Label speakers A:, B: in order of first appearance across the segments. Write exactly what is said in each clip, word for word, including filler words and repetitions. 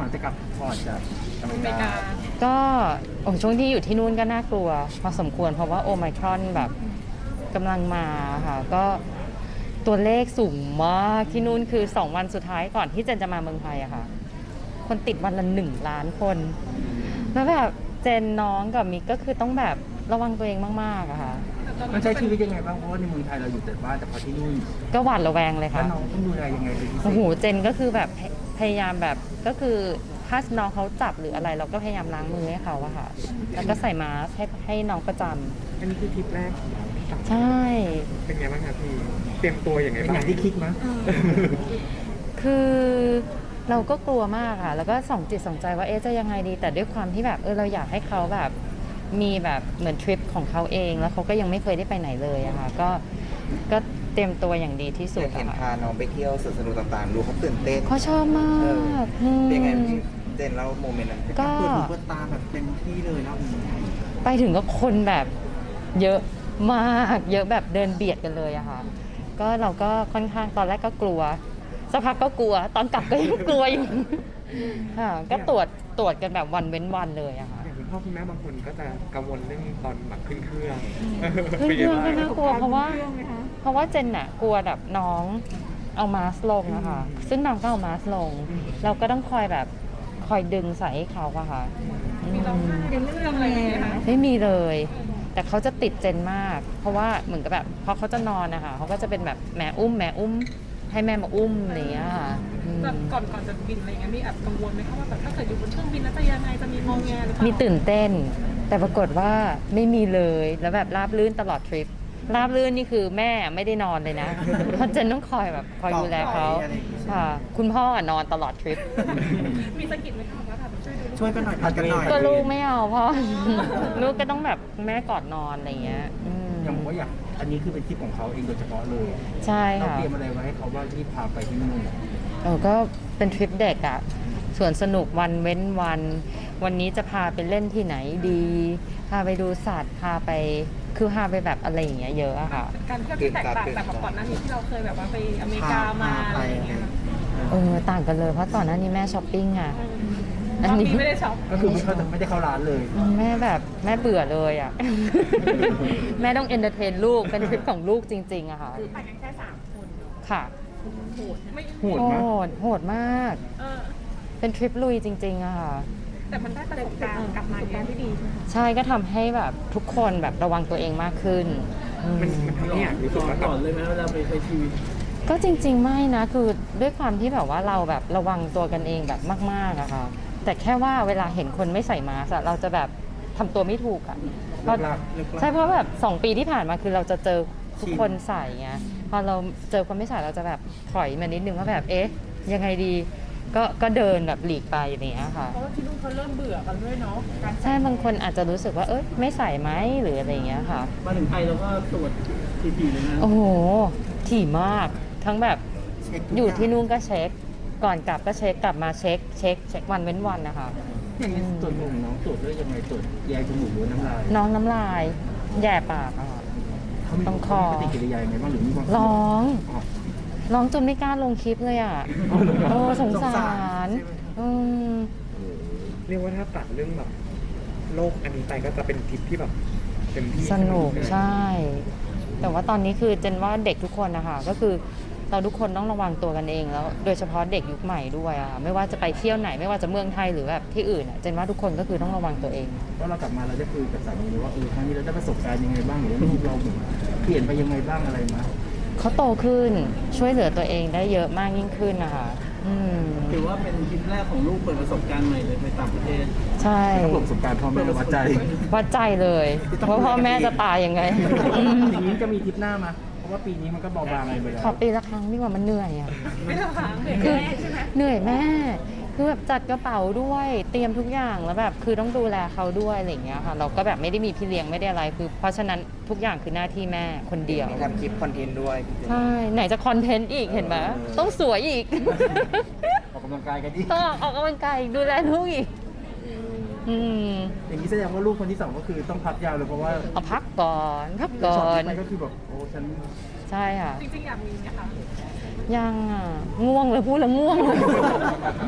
A: จะกลับพอร์ตจากอเม
B: อ
A: ริ
B: เมริ
A: กา
B: กา
C: ก็โอ้ช่วงที่อยู่ที่นู่นก็น่ากลัวพอสมควรเพราะว่าโอไมครอนแบบกำลังมาค่ะก็ตัวเลขสูงมากที่นู่นคือสองวันสุดท้ายก่อนที่เจนจะมาเมืองไทยอะค่ะคนติดวันละหนึ่งล้านคนแล้วแบบเจนน้องกับมิกก็คือต้องแบบระวังตัวเองมากๆอะค่ะ
A: มันใช้ชีวิตยังไงบ้างเพราะว่าในเมืองไทยเราอยู่แต่บ้านแต่พอที่นู่น
C: ก็หวาดระแวงเลย
A: แล้ว
C: ค่ะ
A: น้องต้องดูแลยังไงเป็นพิเศ
C: โอ้โห
A: ษ
C: เจนก็คือแบบพยพยายามแบบก็คือถ้าน้องเขาจับหรืออะไร เราก็พยายามล้างมือให้เขาอะค่ะ แล้วก็ใส่มาสก์ให้ให้น้องประจ
D: อันนี้คือทริปแรกของเราที่ต่าง
C: ำใช่
D: เป็นไงบ้างครับพี่ เตรียมตัวอย่างไง
A: เป็นอ
D: บ้าง
A: ย่างที่คิดมั้ย
C: คือเราก็กลัวมากค่ะ แล้วก็ส่องจิตส่องใจว่าเอ๊ะจะยังไงดี แต่ด้วยความที่แบบเออเราอยากให้เขาแบบมีแบบเหมือนทริปของเขาเอง แล้วเขาก็ยังไม่เคยได้ไปไหนเลยอะค่ะ ก็ก็เตรียมตัวอย่างดีที่สุด
E: เห็น
C: อะ
E: พา
C: ค่ะ
E: น้องไปเที่ยวสวนสนุกต่างๆ ดูเขาตื่นเต้น
C: เขาชอบมากอืม
E: เป็นไงพี่เจนเล่าโมเมนต์นั้น
C: ก็
A: เปิดหูเปิดตาแบบเต็มที่เลยรอบนี้
C: ไปถึงก็คนแบบเยอะมากเยอะแบบเดินเบียดกันเลยอะค่ะก็เราก็ค่อนข้างตอนแรกก็กลัวสักพักก็กลัว ตอนกลับก็ยังกลัวอยู่ค่ะก็ตรวจตรวจกันแบบวันเว้นวันเลยอะค่ะ
D: อย่างคุณพ่อคุณแม่บางคนก็จะกังวลเรื่องตอนแบบขึ้นเครื่อง
C: ขึ้นเครื่องก็
D: ป็นไง
C: น่า
D: บ้าง
C: กลัวเพราะว่าเพราะว่าเจนน่ะกลัวแบบน้องเอามาสก์ลงอะค่ะซึ่งน้องก็เอามาสก์ลง เราก็ต้องคอยแบบคอยดึงใส่ให้เขาอะค่ะ
B: มีร้องไห้ในเรื่องอะไรอย่างเงี้ยคะ
C: ไม่มีเลย แต่เขาจะติดเจนมาก เพราะว่าเหมือนกับแบบพอเขาจะนอนนะคะเขาก็จะเป็นแบบแม่อุ้มแม่อุ้ม ให้แม่มาอุ้มอะไรอย่างเงี้ยค่ะอืม
B: แบบก่อนก่อนจะบินอะไรเงี้ยมีแอบกังวลไหมคะว่าแบบถ้าเกิดอยู่บนเครื่องบินแล้วจะยังไงจะมีงงแงหรือเปล่า
C: มีตื่นเต้น แต่ปรากฏว่าไม่มีเลยแล้วแบบราบรื่นตลอดทริปราบรื่นนี่คือแม่ไม่ได้นอนเลยนะ เพราะเจนต้องคอยแบบคอยดูแลเขาค่ะ คุณพ่ออะนอนตลอดทริป
B: มีสะกิดไหมคะว่าแบบช่วยดูลูก
A: ช่วยกันหน่อยผัดกันหน่อย
C: ก็ลูกไม่เอาพ่อ ลูกก็ต้องแบบแม่กอดนอนอะไรอย่างเงี้ยอืม
A: อย่างผมว่าอยากอันนี้คือเป็นทริปของเขาเองโดยเฉพาะเลย
C: ใช่
A: เรา
C: ค่ะ
A: เตรียมอะไรไว้ให้เขาบ้างที่พาไปที่นู่น
C: เออก็เป็นทริปเด็กอะส่วนสนุกวันเว้นวัน วันนี้จะพาไปเล่นที่ไหนดี พาไปดูสัตว์ พาไป คือพาไปแบบอะไรอย่างเงี้ยเยอะอะค่ะ
B: การเที่ยวที่แตกต่างจากก่อนหน้านี้ที่เราเคยแบบว่าไปอเมริกามาอะไรอย่างเงี้ย
C: เออ ต่างกันเลย เพราะก่อนหน้านี้แม่ช้อปปิ้งอะ
B: ตอนนี้ไม่ได้ช็อป
A: ก็คือไม่เข้าไม่ได้เข้าร้านเลย
C: แม่แบบแม่เบื่อเลยอะ แม่ต้องเอนเตอร์เทนลูก เป็นทริปของลูกจริงๆอะค่ะ
B: ไปกันแค่สามคน
C: ค่ะ
B: โหดไม่
A: โหด
C: โห
A: มาก
C: ด โหดมาก
B: เออ
C: เป็นทริปลุยจริงๆอะค่ะ
B: แต่มันได้ประสบการณ์กลับมาการที่ดีใช่ไหมคะ
C: ใช่ก็ทำให้แบบทุกคนแบบระวังตัวเองมากขึ้นอืม
D: มันมันทำให้อยากรู้สึกว่าก่อนเลยไหมเวลาไปใช้ชีวิต
C: ก็จริงๆไม่นะคือด้วยความที่แบบว่าเราแบบระวังตัวกันเองแบบมากๆอะค่ะแต่แค่ว่าเวลาเห็นคนไม่ใส่มาสก์อะเราจะแบบทำตัวไม่ถูกอะเพราะ
A: เลิกลากเลิกลาก
C: ใช่เพราะแบบสองปีที่ผ่านมาคือเราจะเจอทุกคนใส่ไงพอเราเจอคนไม่ใส่เราจะแบบถอยมานิดนึงว่าแบบเอ๊ะยังไงดีก็ก็เดินแบบหลีกไปอย่างเงี้ยค่ะ
B: เพราะว่าที่นู่นเขาเริ่มเบื่อกันด้วยเนาะการ
C: ใช่บางคนอาจจะรู้สึกว่าเอ้ยไม่ใส่ไหมหรืออะไรอย่างเงี้ยค่ะ
D: มาถึงไทยเราก็ตรวจทีๆเลยนะ
C: โอ้โหถี่มากทั้งแบบ
A: เช็คทุก
C: อยู่
A: าง
C: ที่นู่นก็เช็ค ก่อนกลับก็เช็คกลับมาเช็ค เช็คเช็ควันเว้นวันนะคะ
A: อย่างนี้ตรวจหนูน้องตรวจด้วยยังไงตรวจแยกจมูกหรือน้ำลาย
C: น้องน้ำลายแย่ปากอะค่ะ
A: เขามี
C: ต้องคอ
A: ปฏิกิริยายังไงบ้างหรือมีความ
C: ร้อง
A: อ๋อ
C: ร้องจนไม่กล้าลงคลิปเลยอ่ะ โอ้สงสารอืม
D: เรียกว่าถ้าตัดเรื่องแบบโลกอันนี้ไปก็จะเป็นทริปที่แบบเต็มที่
C: สนุก
D: ไหม
C: ใช่ แต่ว่าตอนนี้คือเจนว่าเด็กทุกคนนะคะก็คือเราทุกคนต้องระวังตัวกันเองแล้ว โดยเฉพาะเด็กยุคใหม่ด้วยอะค่ะไม่ว่าจะไปเที่ยวไหนไม่ว่าจะเมืองไทยหรือแบบที่อื่นอะเจนว่าทุกคนก็คือต้องระวังตัวเอง
A: ว่าเรากลับมาเราได้คุยกับสามีเลยว่าเออครั้งนี้เราได้ประสบการณ์ยังไงบ้างหรือว่าลูกเราแบบเปลี่ยนไปยังไงบ้างอะไรมา
C: เขาโตขึ้นช่วยเหลือตัวเองได้เยอะมากยิ่งขึ้นนะคะอืม
F: ถือว่าเป็นทริปแรกของลูกเปิดประสบการณ์ใหม่เลยไปต่างประเทศ
C: ใช่
A: เขาบอกประสบการณ์พ่อแม่วัดใจ
C: วัดใจเลยว่าพ่อแม่จะตายยังไงอืม
A: อย่างนี้จะมีทริปหน้ามาเพราะว่าปีนี้มันก็เบาบางไปแล้ว
C: ขอปีละครั้งดีกว่ามันเหนื่อยอ่ะ
B: ไม่ทำค้างเลย
C: คือ
B: แม่ใช่ไหม
C: เหนื่อยแม่คือแบบจัดกระเป๋าด้วยเตรียมทุกอย่างแล้วแบบคือต้องดูแลเขาด้วยอะไรอย่างเงี้ยค่ะเราก็แบบไม่ได้มีพี่เลี้ยงไม่ได้อะไรคือ เพราะฉะนั้นทุกอย่างคือหน้าที่แม่คนเดียว
E: มีทำคลิปคอนเทนต์ด้วยพี่เจน
C: ใช่ไหนจะคอนเทนต์อีกเห็นไหมต้องสวยอีก
A: ออกกำลังกายกันดิ
C: ต้องออกกำลังกายอีกดูแลลูกอีกอืม
A: อย่างนี้แสดงว่าลูกคนที่สองก็คือต้องพักยาวเลยเพราะว่า
C: เอาพักก่อนพักก่อ
A: ช็อต
C: น
A: ที่ไปก็คือแบบโอ้ฉัน
C: ใช่ค่ะ
B: จริงๆอยากมีไหมคะ
C: ยังอ่ะง่วงเลยพูดแล้วง่วง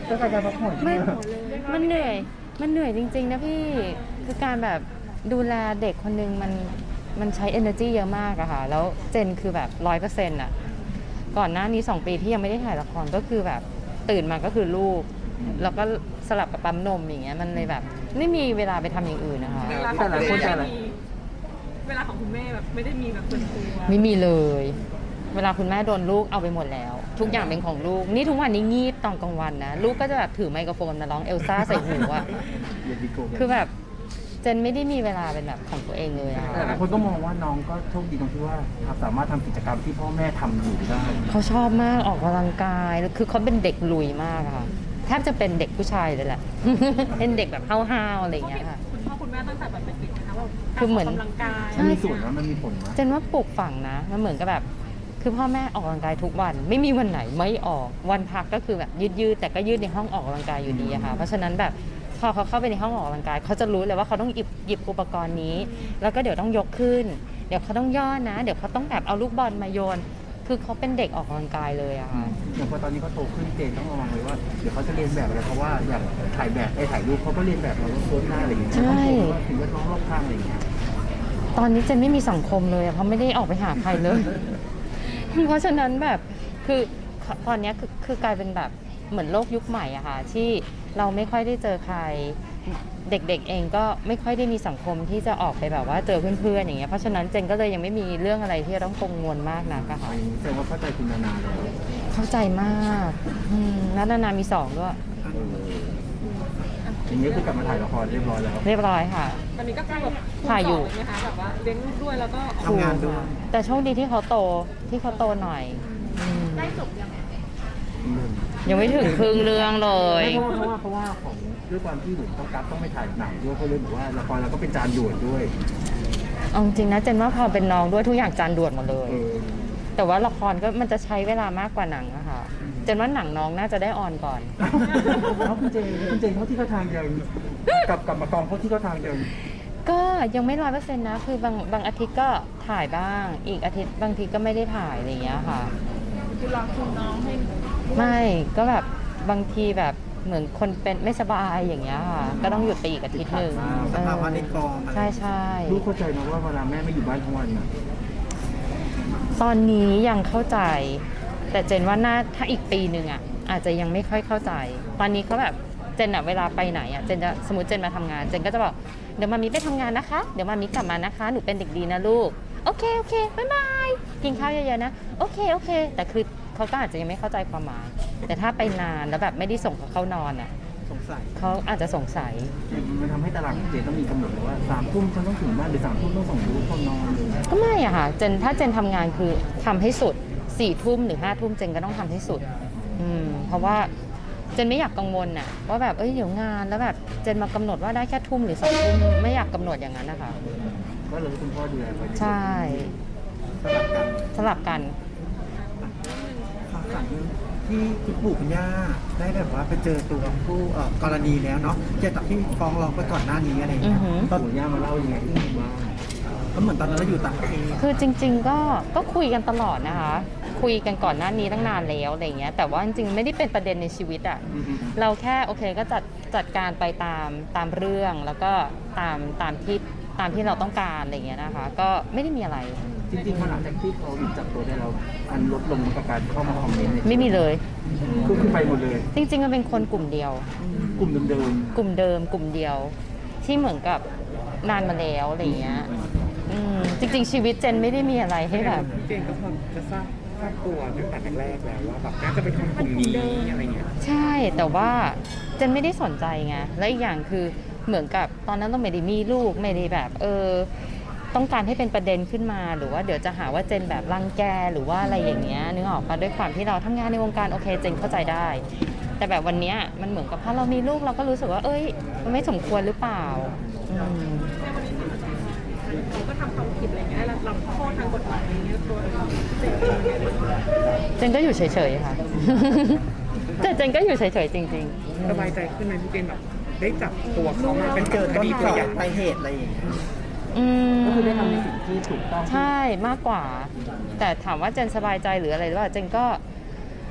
A: ต้องการการพักผ่อน
C: มันมันเหนื่อย มันเหนื่อยจริงๆนะพี่ คือการแบบดูแลเด็กคนนึงมันมันใช้ energy เยอะมากอะค่ะ แล้วเจนคือแบบร้อยเปอร์เซ็นต์อะก่อนหน้านี้สองปีที่ยังไม่ได้ถ่ายละครก็คือแบบตื่นมาก็คือลูก แล้วก็สลับกับปั๊มนมอย่างเงี้ย มันเลยแบบไม่มีเวลาไปทำอย่างอื่นนะคะ
B: เวลาของคุณแม่ไม่มีเวลาของคุณแม่แบบไม่ได้มีแบบส่วนตัว
C: ไม่มีเลย เวลาคุณแม่โดนลูกเอาไปหมดแล้ว ทุกอย่างเป็นของลูก นี่ทุกวันนี้งีบตอนกลางวันนะ ลูกก็จะแบบถือไมโครโฟนมาร้องเอลซ่าใส่หูอะ
A: เย็นดีโก้
C: คือแบบเจนไม่ได้มีเวลาเป็นแบบของตัวเองเลยอะ
A: แต่หลายคนก็มองว่าน้องก็โชคดีตรงที่ว่าสามารถทำกิจกรรมที่พ่อแม่ทำอยู่ได้
C: เขาชอบมากออกกำลังกายแล้วคือเขาเป็นเด็กลุยมากอะค่ะแทบจะเป็นเด็กผู้ชายเลยแหละ เป็นเด็กแบบห้าวๆอะไรอย่างเงี้ยค่ะ
B: คุณพ่อคุณแม่ตั้งแต่แบบเด็กๆนะคะว่า
C: คือเหมือน
B: กำลังกาย
A: มันมีส่วนนะมันมีผลนะ
C: เจนว่าปลูกฝังนะมันเหมือนกับแบบคือพ่อแม่ออกกำลังกายทุกวัน ไม่มีวันไหนไม่ออกวันพักก็คือแบบยืดๆแต่ก็ยืดในห้องออกกำลังกายอยู่ดีอะค่ะเพราะฉะนั้นแบบพอเขาเข้าไปในห้องออกกำลังกายเขาจะรู้เลยว่าเขาต้องหยิบหยิบอุปกรณ์นี้ แล้วก็เดี๋ยวต้องยกขึ้น เดี๋ยวเขาต้องย่อนะ เดี๋ยวเขาต้องแบบเอาลูกบอลมาโยน คือเขาเป็นเด็กออกกำลังกายเลยอะค่ะ
A: อย่างพอตอนนี้เขาโตขึ้นเจนต้องระวังเลยว่าเดี๋ยวเขาจะเรียนแบบอะไรเพราะว่าอย่างถ่ายแบบไอ้ถ่ายรูปเขาก็เรียนแบบเราต้องโพสหน้าอะไรอย่างเงี้ย
C: ใช่
A: ต้องโพสว่าถึงแวดล้อมรอบข้างอะไรอย่างเงี้ย
C: ตอนนี้เจนไม่มีสังคมเลยอะเพราะไม่ได้ออกไปหาใครเลย เพราะฉะนั้นแบบคือตอนนี้คือคือกลายเป็นแบบเหมือนโลกยุคใหม่อะค่ะที่เราไม่ค่อยได้เจอใครเด็กๆเองก็ไม่ค่อยได้มีสังคมที่จะออกไปแบบว่าเจอเพื่อนๆอย่างเงี้ยเพราะฉะนั้นเจนก็เลยยังไม่มีเรื่องอะไรที่จะต้องกังวลมากนักอะค่ะ
A: แสดงว่าเข้าใจคุณนานาแล้ว
C: เข้าใจมากอืมแล้วนานามีสองด้วย
A: อย่างนี้คือกลับมาถ่ายละครเรียบร้อยแล้ว
C: เรียบร้อยค่ะ
B: ตอนนี้ก็คือแบบ
C: ถ่ายอยู่
B: คูณสงเลไหมคะแบบว่าเลี้ยงลูกด้วยแล้วก็
D: ทำงานด้วย
C: แต่โชคดีที่เขาโตที่เขาโตหน่อยอืม
B: ได้จบยังไง
C: ยังไม่ถึงครึ่งเรื่องเลย
A: ไม่เพราะว่าเพราะว่าเพราะว่าของด้วยความที่หนูต้องกัดต้องไปถ่ายหนังด้วยเขาเลยบอกว่าละครเราก็เป็นจานด่วนด้วย
C: เอาจริงนะเจนว่าพอเป็นน้องด้วยทุกอย่างจานด่วนหมดเลย
A: เออ
C: แต่ว่าละครก็มันจะใช้เวลามากกว่าหนังอะค่ะเจนว่าหนังน้องน่าจะได้ออนก่อน
A: แล้วคุณเจนคุณเจนเขาที่เขาทางยังกลับกลับมากองเขาที่เขาทางยัง
C: ก็ยังไม่ร้อยเปอร์เซ็นต์นะคือบางบางอาทิตย์ก็ถ่ายบ้าง อีกอาทิตย์บางทีก็ไม่ได้ถ่ายอะไรอย่างเงี้ยค่ะ
B: คือรอคุณน้องให้
C: ไม่ก็แบบบางทีแบบเหมือนคนเป็นไม่สบายอย่างเงี้ยค่ะก็ต้องหยุดไปอีกอาทิตย์หนึ่ง
D: สภาวะในกอง
C: ใช่ใช่
A: ลูกเข้าใจนะว่าเวลาแม่ไม่อยู่บ้านทั้งวันนะ
C: ตอนนี้ยังเข้าใจ แต่เจนว่าน่าถ้าอีกปีหนึ่งอ่ะอาจจะยังไม่ค่อยเข้าใจ ตอนนี้เขาแบบเจนอะเวลาไปไหนอ่ะเจนจะสมมติเจนมาทำงานเจนก็จะบอกเดี๋ยวมามีไปทำงานนะคะเดี๋ยวมามีกลับมานะคะหนูเป็นเด็กดีนะลูกโอเคโอเคบ๊ายบายกินข้าวเยอะๆนะโอเคโอเค แต่คือเขาก็อาจจะยังไม่เข้าใจความหมาย แต่ถ้าไปนานแล้วแบบไม่ได้ส่งเขาเข้านอนอ่ะ
D: สงสัย
C: เขาอาจจะสงสัย
A: มันทำให้ตารางของเจนต้องมีกำหนดเลยว่าสามทุ่มฉันต้องถึงบ้านหรือสามทุ่มต้องส่งลูกเข้านอนเลย
C: ก็ไม่อะค่ะเจนถ้าเจนทำงานคือทำให้สุดสี่ทุ่มหรือห้าทุ่มเจนก็ต้องทำให้สุดอืมเพราะว่าเจนไม่อยากกังวลน่ะว่าแบบเอ้ยเดี๋ยวงานแล้วแบบเจนมากำหนดว่าได้แค่ทุ่มหรือสองทุ่มไม่อยากกำหนดอย่างนั้นนะคะ
A: ก็เลยคุณพ่อดูแลไป
C: ใช่
D: สลับกัน
C: สลับกัน
G: ข่าวสารที่คุณปู่คุณย่าได้แบบว่าไปเจอตัวผู้เอ่อกรณีแล้วเนาะเกี่ยวกับที่ฟ้องร้องไปก่อนหน้านี้อะไรอย่าง
C: อื
G: เงี้
C: อย หือ
G: ตอน
A: ปู่ย่ามาเล่ายังไงให้ฟังบ้าง
G: ก็เหมือนตอนนั้นเราอยู่ต่างประเทศ
C: คือจริง ๆ ก็ก็คุยกันตลอดนะคะ คุยกันก่อนหน้านี้ตั้งนานแล้วอะไรเงี้ยแต่ว่าจริงๆไม่ได้เป็นประเด็นในชีวิตอะเราแค่โอเคก็จัดจัดการไปตามตามเรื่องแล้วก็ตามตามที่ตามที่เราต้องการอะไรเงี้ยนะคะ ก็ไม่ได้มีอะไร
A: จริงๆพอหลังจากที่เขาหยุดจับตัวได้แล้วมันลดลงกับการเข้ามาคอมเมนต์ใน
C: ไม่มีเลย
A: คือขึ้นไปหมดเลย
C: จริงๆมันเป็นคนกลุ่มเดียว
A: กลุ่มเดิม
C: กลุ่มเดิมกลุ่มเดียว ที่เหมือนกับนานมาแล้วอะไรเงี้ยอืมจริง ๆ ชีวิตเจนไม่ได้มีอะไรให้แบบ
D: พี่เจนก็พอจะทราบทราบตัวตั้งแต่แรกๆแล้วว่าแบบน่าจะเป็นคนกลุ่มนี้อะไรเงี้ย
C: ใช่แต่ว่าเจนไม่ได้สนใจไงและอีกอย่างคือเหมือนกับตอนนั้นต้องไม่ได้มีลูกไม่ได้แบบเออต้องการให้เป็นประเด็นขึ้นมาหรือว่าเดี๋ยวจะหาว่าเจนแบบรังแกหรือว่าอะไรอย่างเงี้ยนึกออกปะด้วยความที่เราทำงานในวงการโอเคเจนเข้าใจได้ แต่แบบวันเนี้ยมันเหมือนกับพอเรามีลูกเราก็รู้สึกว่าเอ้ยมันไม่สมควรหรือเปล่าอืม
B: ในวันนี้เขาก็ทำความผิดอะไรเงี้ยแล้วรับโทษทางกฎหมายอะไรเงี้ยตัวเราเจ็บเองเนี่ย
C: เจนก็อยู่เฉยๆค่ะ แต่เจนก็อยู่เฉยๆจริง
D: สบายใจขึ้นไหมพี่เจนแบบได้จับตัวเขามาเป็น
G: เจอต้น
D: คดี
G: ต่
D: ตัว
G: อ
D: อย่าง
G: ปลายเหตุอะไรอย่างเงี้ย
C: ๆอืม
A: ก็คือได้ทำในสิ่งที่ถูกต้อง
C: ใช่มากกว่า แต่ถามว่าเจนสบายใจหรืออะไรหรือเปล่าเจนก็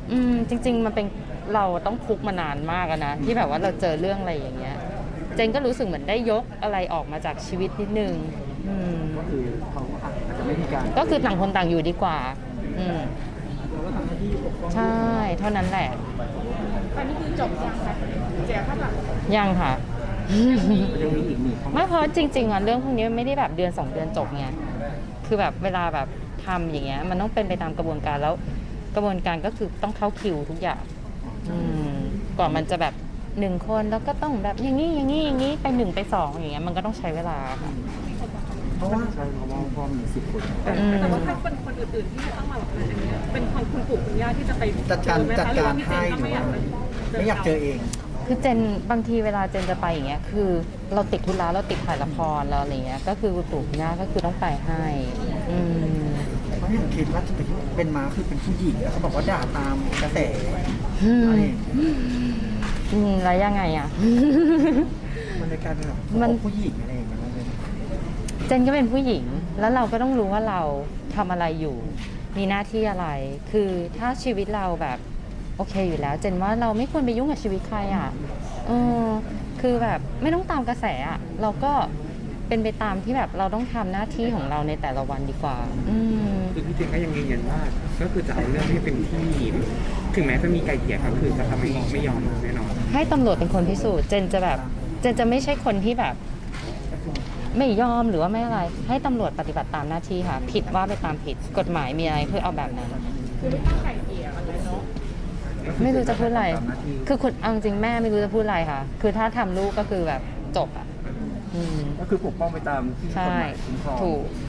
C: อืมจริง ๆ มันเป็นเราต้องคุกมานานมากอะนะที่แบบว่าเราเจอเรื่องอะไรอย่างเงี้ยเจนก็รู้สึกเหมือนได้ยกอะไรออกมาจากชีวิตนิดนึงอืม
A: ก็คือเขาอาจจะไม่มีการ
C: ก็คือต่างคนต่างอยู่ดีกว่า อืม
F: เราก็ทำหน้าที่ปกป้อง
C: ใช่ เท่านั้นแหละ
B: ตอนนี้คือจบยังคะเสียค่าปรับ
C: ยังค่ะ
A: ยังมีอีกหนึ่งข้อ
C: ไม่เพราะจริงๆอ่ะเรื่องพวกนี้ไม่ได้แบบเดือนสองเดือนจบไงคือแบบเวลาแบบทำอย่างเงี้ยมันต้องเป็นไปตามกระบวนการแล้วกระบวนการก็คือต้องเข้าคิวทุกอย่างอืมก่อนมันจะแบบหนึ่งคนแล้วก็ต้องแบบอย่างนี้อย่างนี้อย่างนี้ไปหนึ่งไปสองอย่างเงี้ยมันก็ต้องใช้เวลาค่ะ
A: เพราะว่าใช่เพราะว่าพ่อมีสิบคน
B: แต่
C: อืม
B: แต่ว่าถ้าคนคนอื่นๆที่จะต้องมาแบบอันเนี้ยเป็นของคุณปู่คุณย่าที่จะไป
G: จัดการ
B: เจอไหม
G: จัด
B: คะหรือ
G: การ
B: ว่าพี่เจ
G: ให้
B: นก็
G: หรือ
B: ไม่อยา
G: ว่าก
B: ไป
G: ไม่อยากเจอเอง
C: คือเจนบางทีเวลาเจนจะไปอย่างเงี้ยคือเราติดธุระเราติดถ่ายละครเราอะไรเงี้ยก็คือคุณปู่คุณย่าก็คือต้องไปให้อืม
G: เพราะเห็นคิดว่าเป็นม้าคือเป็นผู้หญิงแล้วเขาบอกว่าด่าตามกระแส
C: อืม
G: อะไรอย่างเงี้ย
C: อืมแล้วยังไงอ่ะ
G: มันในการเป็นแบบ
C: มัน
G: ผู้หญิงอะไรอย่างเงี้ยมันเป็น
C: เจนก็เป็นผู้หญิง แล้วเราก็ต้องรู้ว่าเราทำอะไรอยู่ มีหน้าที่อะไร คือถ้าชีวิตเราแบบโอเคอยู่แล้ว เจนว่าเราไม่ควรไปยุ่งกับชีวิตใครอ่ะเออคือแบบไม่ต้องตามกระแสอ่ะ เราก็เป็นไปตามที่แบบเราต้องทำหน้าที่ของเราในแต่ละวันดีกว่า อืม
D: คือพี่เจนก็ยังยืนยันว่าก็คือจะเอาเรื่องให้เป็นที่ถึงแม้จะมีไกลเกลี่ยก็คือจะทำไม่ไม่ยอมแน่นอน
C: ให้ตำรวจเป็นคนพิสูจน์ เจนจะแบบ เจนจะไม่ใช่คนที่แบบ ไม่ยอมหรือว่าไม่อะไร ให้ตำรวจปฏิบัติตามหน้าที่ค่ะ ผิดว่าไปตามผิด กฎหมายมีอะไรเพื่อเอาแบบนั้น
B: คือไม่ต้องไก่เกลี่ยอะไรเนาะ
C: ไม่รู้จะพูดอะไร
A: ตามหน้าที่
C: คือคุณเอาจริงๆแม่ไม่รู้จะพูดอะไรค่ะ คือถ้าทำลูกก็คือแบบจบอ่ะ อืม
A: ก็คือปกป้องไปตามที่กฎ
C: ใช่
A: หมายคุ้มครอง
C: ถูก